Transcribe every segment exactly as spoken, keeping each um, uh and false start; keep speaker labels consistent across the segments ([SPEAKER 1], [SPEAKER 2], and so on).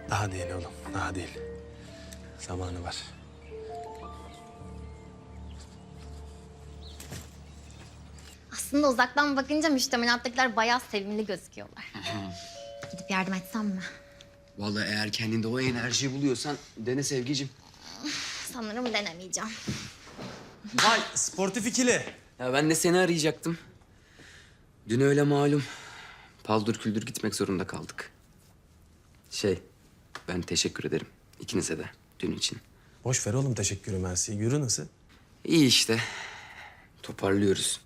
[SPEAKER 1] Daha değil oğlum, daha değil. Zamanı var.
[SPEAKER 2] Aslında uzaktan bakınca müştemilattakiler bayağı sevimli gözüküyorlar. Gidip yardım etsem mi?
[SPEAKER 3] Vallahi eğer kendinde o enerjiyi buluyorsan dene Sevgicim.
[SPEAKER 2] Sanırım denemeyeceğim.
[SPEAKER 1] Vay, sportif ikili.
[SPEAKER 3] Ya ben de seni arayacaktım. Dün öyle malum. Paldır küldür gitmek zorunda kaldık. Şey, ben teşekkür ederim ikinize de dün için.
[SPEAKER 1] Boş ver oğlum teşekkürü mersi. Yürü nasıl?
[SPEAKER 3] İyi işte. Toparlıyoruz.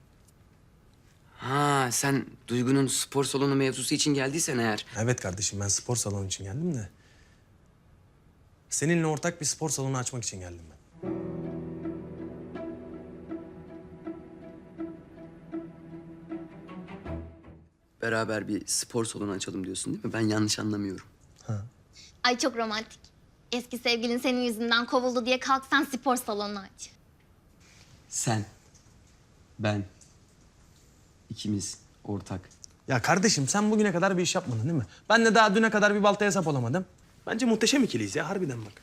[SPEAKER 3] Ha sen Duygu'nun spor salonu mevzusu için geldiysen eğer.
[SPEAKER 1] Evet kardeşim ben spor salonu için geldim de. Seninle ortak bir spor salonu açmak için geldim ben.
[SPEAKER 3] Beraber bir spor salonu açalım diyorsun değil mi? Ben yanlış anlamıyorum.
[SPEAKER 2] Ay çok romantik. Eski sevgilin senin yüzünden kovuldu diye kalk sen spor salonu aç.
[SPEAKER 3] Sen, ben, ikimiz ortak.
[SPEAKER 1] Ya kardeşim sen bugüne kadar bir iş yapmadın değil mi? Ben de daha düne kadar bir baltaya sap olamadım. Bence muhteşem ikiliyiz ya harbiden bak.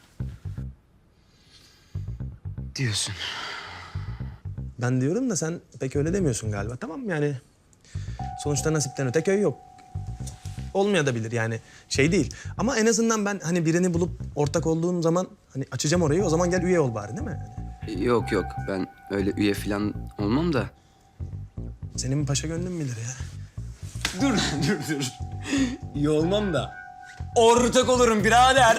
[SPEAKER 3] Diyorsun.
[SPEAKER 1] Ben diyorum da sen pek öyle demiyorsun galiba. Tamam yani sonuçta nasipten öte köy yok. Olmayabilir yani şey değil. Ama en azından ben hani birini bulup ortak olduğum zaman hani açacağım orayı o zaman gel üye ol bari değil mi?
[SPEAKER 3] Yok yok ben öyle üye falan olmam da.
[SPEAKER 1] Senin paşa gönlün bilir ya.
[SPEAKER 3] Dur dur dur. İyi olmam da. Ortak olurum birader.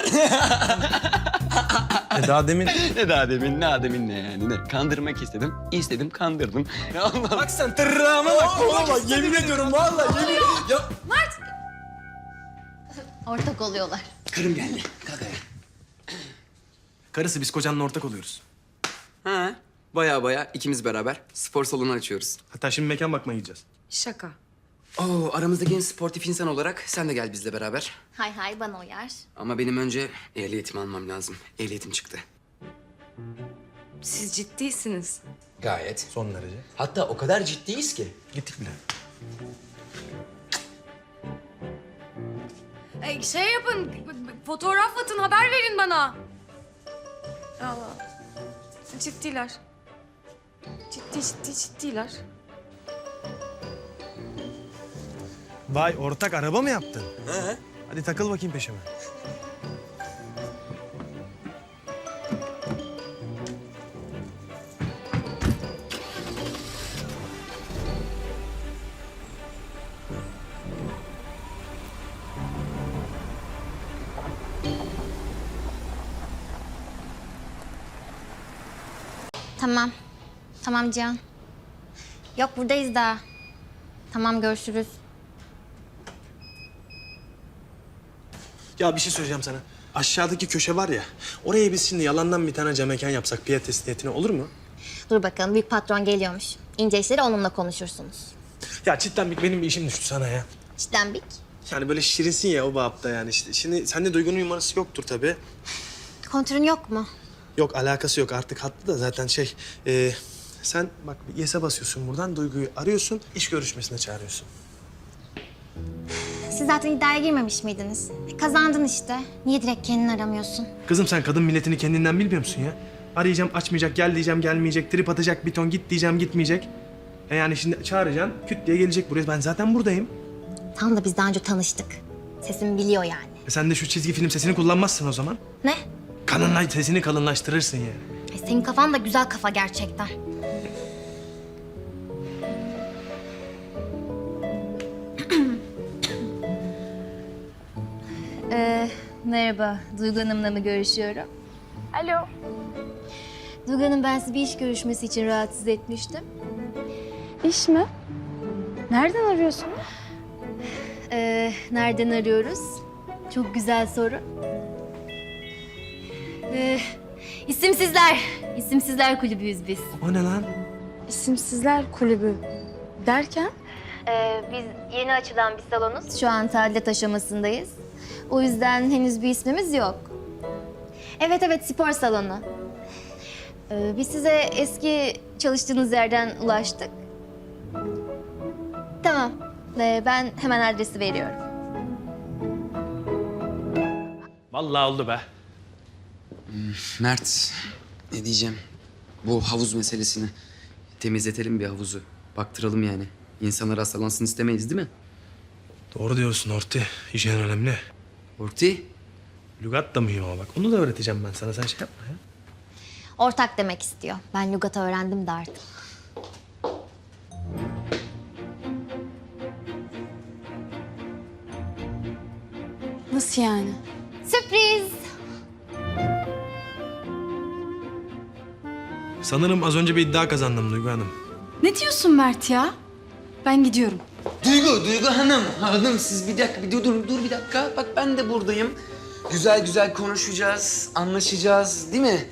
[SPEAKER 1] E daha demin...
[SPEAKER 3] ne daha demin ne demin ne yani ne? Kandırmak istedim, istedim kandırdım. Ya Allah.
[SPEAKER 1] Bak sen tırrağıma bak. Oğlum bak yemin ediyorum vallahi yemin... Ya...
[SPEAKER 2] Ortak oluyorlar.
[SPEAKER 3] Karım geldi. Kalk ayağa.
[SPEAKER 1] Karısı biz kocanla ortak oluyoruz.
[SPEAKER 3] Ha, baya baya ikimiz beraber spor salonu açıyoruz.
[SPEAKER 1] Hatta şimdi mekan bakmaya gideceğiz.
[SPEAKER 4] Şaka.
[SPEAKER 3] Oo, aramızdaki en sportif insan olarak sen de gel bizle beraber.
[SPEAKER 2] Hay hay bana uyar.
[SPEAKER 3] Ama benim önce ehliyetimi almam lazım. Ehliyetim çıktı.
[SPEAKER 4] Siz ciddisiniz.
[SPEAKER 3] Gayet.
[SPEAKER 1] Son derece.
[SPEAKER 3] Hatta o kadar ciddiyiz ki.
[SPEAKER 1] Gittik bile.
[SPEAKER 4] E, şey yapın, b- b- fotoğraf atın, haber verin bana. Allah. Ciddiler. Ciddi ciddi ciddiler.
[SPEAKER 1] Vay ortak araba mı yaptın? He. Hadi takıl bakayım peşime.
[SPEAKER 2] Tamam. Tamam Cihan. Yok buradayız daha. Tamam görüşürüz.
[SPEAKER 1] Ya bir şey söyleyeceğim sana. Aşağıdaki köşe var ya, oraya biz şimdi yalandan bir tane cam mekan yapsak pilates niyetine olur mu?
[SPEAKER 2] Dur bakalım büyük patron geliyormuş. İnce işleri onunla konuşursunuz.
[SPEAKER 1] Ya cidden bir- benim bir işim düştü sana ya.
[SPEAKER 2] Cidden Bik.
[SPEAKER 1] Yani böyle şirinsin ya o babda yani işte. Şimdi sende Duygu'nun numarası yoktur tabii.
[SPEAKER 2] Kontürün yok mu?
[SPEAKER 1] Yok alakası yok artık hattı da zaten şey... e, sen bak bir yes'e basıyorsun buradan Duygu'yu arıyorsun, iş görüşmesine çağırıyorsun.
[SPEAKER 2] Siz zaten iddiaya girmemiş miydiniz? E, kazandın işte. Niye direkt kendini aramıyorsun?
[SPEAKER 1] Kızım sen kadın milletini kendinden bilmiyor musun ya? Arayacağım açmayacak, gel diyeceğim gelmeyecek, trip atacak bir ton, git diyeceğim gitmeyecek. E yani şimdi çağıracaksın, küt diye gelecek buraya. Ben zaten buradayım.
[SPEAKER 2] Tam da biz daha önce tanıştık. Sesimi biliyor yani.
[SPEAKER 1] E sen de şu çizgi film sesini kullanmazsın o zaman.
[SPEAKER 2] Ne?
[SPEAKER 1] Kalınlaş, sesini kalınlaştırırsın yani.
[SPEAKER 2] E, senin kafan da güzel kafa gerçekten.
[SPEAKER 5] Ee, merhaba, Duygu Hanım'la mı görüşüyorum?
[SPEAKER 4] Alo.
[SPEAKER 5] Duygu Hanım, ben sizi bir iş görüşmesi için rahatsız etmiştim.
[SPEAKER 4] İş mi? Nereden arıyorsunuz?
[SPEAKER 5] Ee, nereden arıyoruz? Çok güzel soru. Ee, isimsizler, isimsizler kulübüyüz biz.
[SPEAKER 1] O ne lan?
[SPEAKER 4] İsimsizler Kulübü. Derken?
[SPEAKER 5] Ee, biz yeni açılan bir salonuz. Şu an tadilat aşamasındayız. O yüzden henüz bir ismimiz yok. Evet evet, spor salonu. Ee, biz size eski çalıştığınız yerden ulaştık. Tamam. Ee, ben hemen adresi veriyorum.
[SPEAKER 1] Vallahi oldu be.
[SPEAKER 3] Mert, ne diyeceğim? Bu havuz meselesini temizletelim bir havuzu. Baktıralım yani. İnsanlar hastalansın istemeyiz değil mi?
[SPEAKER 1] Doğru diyorsun Orti. Hijyen önemli.
[SPEAKER 3] Orti.
[SPEAKER 1] Lügat da mühim ama bak. Onu da öğreteceğim ben sana. Sen şey yapma ya.
[SPEAKER 5] Ortak demek istiyor. Ben lügatı öğrendim de artık.
[SPEAKER 4] Nasıl yani?
[SPEAKER 5] Sürpriz!
[SPEAKER 1] Sanırım az önce bir iddia kazandım Duygu Hanım.
[SPEAKER 4] Ne diyorsun Mert ya? Ben gidiyorum.
[SPEAKER 3] Duygu, Duygu Hanım. Hanım siz bir dakika, bir dur, dur, dur bir dakika. Bak ben de buradayım. Güzel güzel konuşacağız, anlaşacağız değil mi?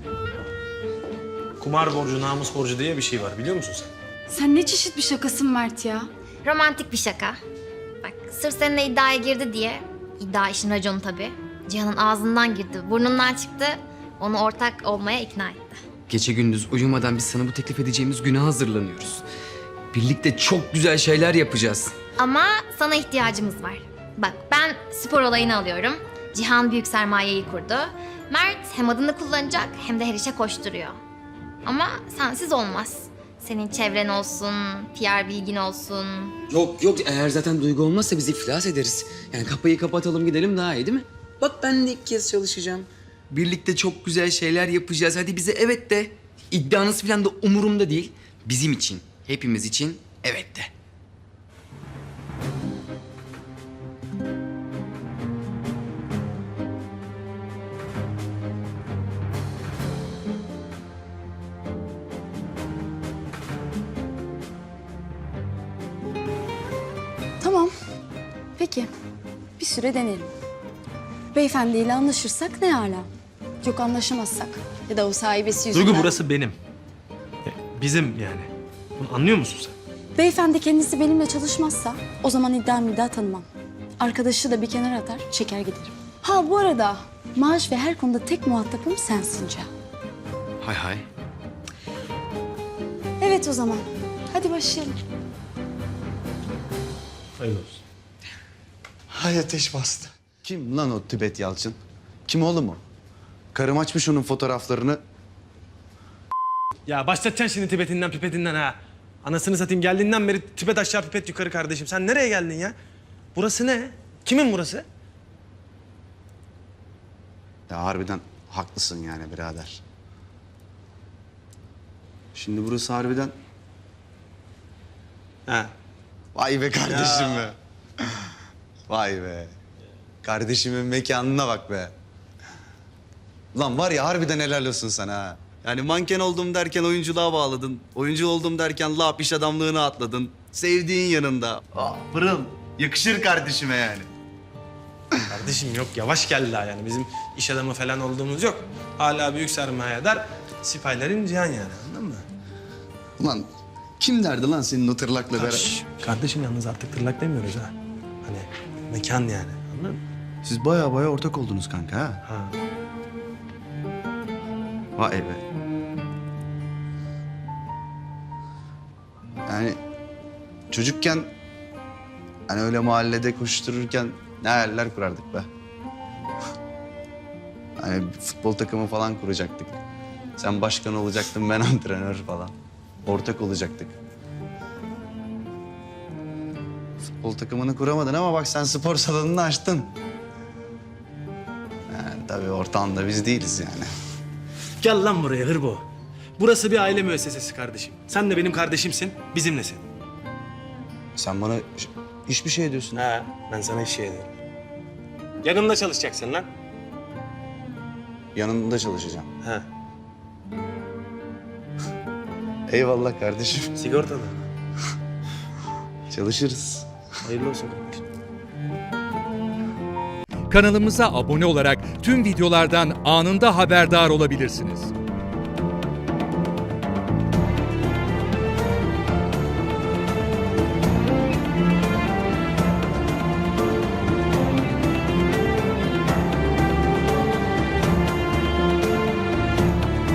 [SPEAKER 1] Kumar borcu, namus borcu diye bir şey var biliyor musun sen?
[SPEAKER 4] Sen ne çeşit bir şakasın Mert ya?
[SPEAKER 5] Romantik bir şaka. Bak sırf seninle iddiaya girdi diye, iddia işin raconu tabii. Cihan'ın ağzından girdi, burnundan çıktı. Onu ortak olmaya ikna etti.
[SPEAKER 3] Gece gündüz uyumadan biz sana bu teklif edeceğimiz güne hazırlanıyoruz. Birlikte çok güzel şeyler yapacağız.
[SPEAKER 5] Ama sana ihtiyacımız var. Bak ben spor olayını alıyorum. Cihan büyük sermayeyi kurdu. Mert hem adını kullanacak hem de her işe koşturuyor. Ama sensiz olmaz. Senin çevren olsun, P R bilgin olsun.
[SPEAKER 3] Yok yok eğer zaten Duygu olmazsa biz iflas ederiz. Yani kapıyı kapatalım gidelim daha iyi değil mi? Bak ben de ilk kez çalışacağım. Birlikte çok güzel şeyler yapacağız. Hadi bize evet de. İddianız falan da umurumda değil. Bizim için, hepimiz için evet de.
[SPEAKER 4] Tamam. Peki. Bir süre deneyelim. Beyefendiyle anlaşırsak ne hala? Yok anlaşamazsak ya da o sahibesi yüzünden...
[SPEAKER 1] Duygu burası benim. E, Bizim yani. Bunu anlıyor musun sen?
[SPEAKER 4] Beyefendi kendisi benimle çalışmazsa o zaman iddia middia tanımam. Arkadaşı da bir kenara atar, çeker giderim. Ha bu arada maaş ve her konuda tek muhatabım sensin Cihan.
[SPEAKER 3] Hay hay.
[SPEAKER 4] Evet o zaman. Hadi başlayalım.
[SPEAKER 1] Hayırlı olsun.
[SPEAKER 6] Hay ateş bastı. Kim lan o Tibet Yalçın? Kim oğlum o? Karım açmış onun fotoğraflarını.
[SPEAKER 1] Ya başlatacaksın şimdi Tibet'inden pipetinden ha. Anasını satayım geldiğinden beri Tibet aşağı pipet yukarı kardeşim. Sen nereye geldin ya? Burası ne? Kimin burası?
[SPEAKER 6] Ya harbiden haklısın yani birader. Şimdi burası harbiden...
[SPEAKER 1] Ha.
[SPEAKER 6] Vay be kardeşim be. Vay be. Kardeşimin mekanına bak be. Lan var ya harbiden helal olsun sana ha. Yani manken oldum derken oyunculuğa bağladın. Oyuncu oldum derken lap iş adamlığına atladın. Sevdiğin yanında. Aa, pırıl. Yakışır kardeşime yani.
[SPEAKER 1] Kardeşim yok yavaş gel daha yani. Bizim iş adamı falan olduğumuz yok. Hala büyük sermayedar sipahilerin Cihan yani anladın mı?
[SPEAKER 6] Ulan kim derdi lan senin o tırlakla beraber?
[SPEAKER 1] Şş, kardeşim yalnız artık tırlak demiyoruz ha. Hani mekan yani anladın mı?
[SPEAKER 6] Siz baya baya ortak oldunuz kanka ha.
[SPEAKER 1] Ha.
[SPEAKER 6] Vay be. Yani çocukken hani öyle mahallede koştururken ne hayaller kurardık be. Hani bir futbol takımı falan kuracaktık. Sen başkan olacaktın, ben antrenör falan. Ortak olacaktık. Futbol takımını kuramadın ama bak sen spor salonunu açtın. Yani tabii ortağında biz değiliz yani.
[SPEAKER 1] Gel lan buraya hırbo. Burası bir aile müessesesi kardeşim. Sen de benim kardeşimsin, bizimlesin.
[SPEAKER 6] Sen bana ş- hiçbir şey diyorsun.
[SPEAKER 1] Ha, ben sana iş şey ederim. Yanımda çalışacaksın lan.
[SPEAKER 6] Yanında çalışacağım.
[SPEAKER 1] Ha,
[SPEAKER 6] Eyvallah kardeşim.
[SPEAKER 1] sigortalı.
[SPEAKER 6] Çalışırız.
[SPEAKER 1] Hayırlı olsun kardeşim.
[SPEAKER 7] Kanalımıza abone olarak tüm videolardan anında haberdar olabilirsiniz.